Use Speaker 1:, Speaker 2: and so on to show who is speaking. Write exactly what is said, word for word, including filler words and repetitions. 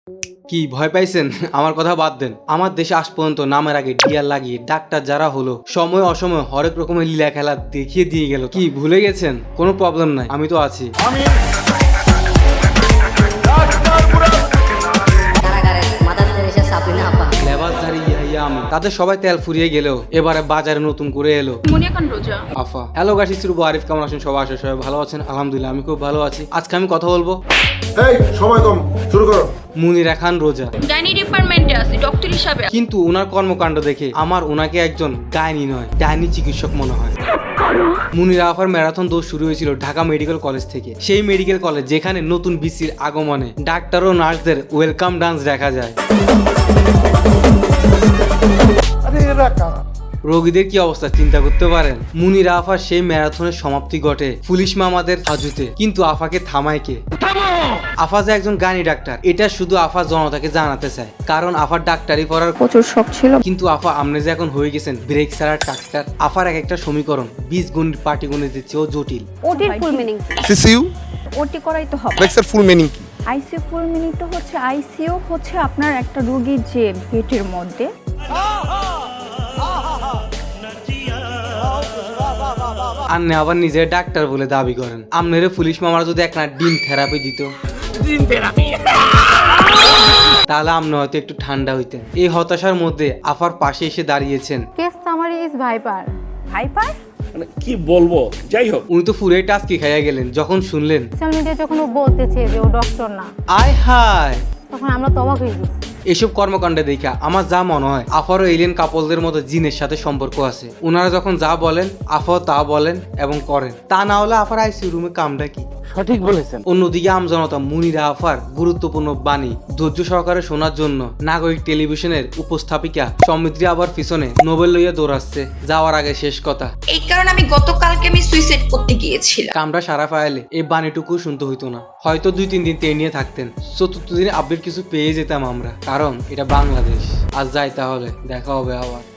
Speaker 1: কি ভয় পাইছেন? আমার কথা বাদ দেন। আমার দেশে আজ পর্যন্ত নামের আগে ডিয়ার লাগিয়ে ডাক্তার যারা হলো সময় অসময় হরেক রকমের লীলা খেলা দেখিয়ে দিয়ে গেল। কি ভুলে গেছেন? কোনো প্রবলেম নাই, আমি তো আছি। লেবাসধারী ইয়াহিয়া আমি। তাদের সবাই তেল ফুরিয়ে গেলেও এবারে বাজারে নতুন করে এলো আফা। Hello guys, it's Rubu Arif. কেমন আছেন সবাই? আশা সবাই ভালো আছেন। আলহামদুলিল্লাহ আমি খুব ভালো আছি। আজকে আমি কথা বলবো
Speaker 2: এই সময় কম, শুরু করো।
Speaker 1: মুনিরা খান রোজা,
Speaker 3: গাইনি ডিপার্টমেন্টে আছে ডক্টর হিসাবে।
Speaker 1: কিন্তু ওনার কর্মকাণ্ড দেখে আমার ওনাকে একজন গাইনি নয় ডাইনি চিকিৎসক মনে হয়। মুনিরা আফার ম্যারাথন দৌড় শুরু হয়েছিল ঢাকা মেডিকেল কলেজ থেকে। সেই মেডিকেল কলেজ যেখানে নতুন বিসির আগমনে ডাক্তার ও নার্সদের ওয়েলকাম ডান্স দেখা যায়। রোগীদের কি অবস্থা চিন্তা করতে পারেন। মুনিরা আফার সেই ম্যারাথনের সমাপ্তি ঘটে পুলিশ মামাদের হাজুতে, কিন্তু আফাকে থামায় কে? আফা যে একজন গানি ডাক্তার এটা শুধু আফা জনতাকে জানাতে চায়, কারণ আফার ডাক্তারি পড়ার
Speaker 4: প্রচুর শখ ছিল।
Speaker 1: কিন্তু আফা আপনি যে এখন হয়ে গেছেন ব্রেক ছাড়ার ডাক্তার। আফার এক একটা সমীকরণ বিশ গণিত পাটিগণিতের চেয়েও জটিল।
Speaker 4: ওটির ফুল মিনিং
Speaker 5: সিসিইউ
Speaker 4: ওটি করাই তো হবে।
Speaker 5: ব্রেক্সের ফুল মিনিং কি?
Speaker 4: আইসিইউ ফুল মিনিং তো হচ্ছে আইসিইউ হচ্ছে আপনার একটা রোগীর যে পেটের মধ্যে
Speaker 1: আপনি আবার নিজের ডাক্তার বলে দাবি করেন। আপনারে পুলিশ মামারা যদি এক না ডিম থেরাপি দিত তাহলে আপনি হয়তো একটু ঠান্ডা হইতেন। এই হতাশার মধ্যে আফার পাশে এসে দাঁড়িয়েছেন
Speaker 4: case summary is viper. Viper
Speaker 6: মানে কি বলবো, যাই হোক
Speaker 1: উনি তো ফুরে টাস্কি খাইয়া গেলেন যখন শুনলেন
Speaker 7: সোশ্যাল মিডিয়া যখন ও বলতেছে যে ও ডক্টর না,
Speaker 1: আয় হায়।
Speaker 7: তখন আমরা তো অবাক হয়ে গেছি।
Speaker 1: এসব কর্মকাণ্ডে দেখা আমার যা মনে হয় আফারও এলিয়েন কাপলদের মতো জিনের সাথে সম্পর্ক আছে। ওনারা যখন যা বলেন আফাও তা বলেন এবং করেন। তা না হলে আফার আইসিইউ রুমে কামটা কি?
Speaker 6: সঠিক বলেছেন।
Speaker 1: অন্যদিকে আমজনতা মুনিরা আফার গুরুত্বপূর্ণ বাণী ধৈর্য সহকারে শোনার জন্য নাগরিক টেলিভিশনের উপস্থাপিকা সমৃদ্ধি আবার পিছনে নোবেল লইয়া দৌড়াচ্ছে। যাওয়ার আগে শেষ কথা,
Speaker 3: এই কারণে আমি গতকালকে আমি সুইসাইড করতে গিয়েছিলাম।
Speaker 1: কামটা সারা পাইলে এই বাণীটুকু শুনতে হইতো না। হয়তো দুই তিন দিন তে নিয়ে থাকতেন, চতুর্থ দিনে আপডেট কিছু পেয়ে যেতাম আমরা, কারণ এটা বাংলাদেশ। আজ যাই, তাহলে দেখা হবে আবার।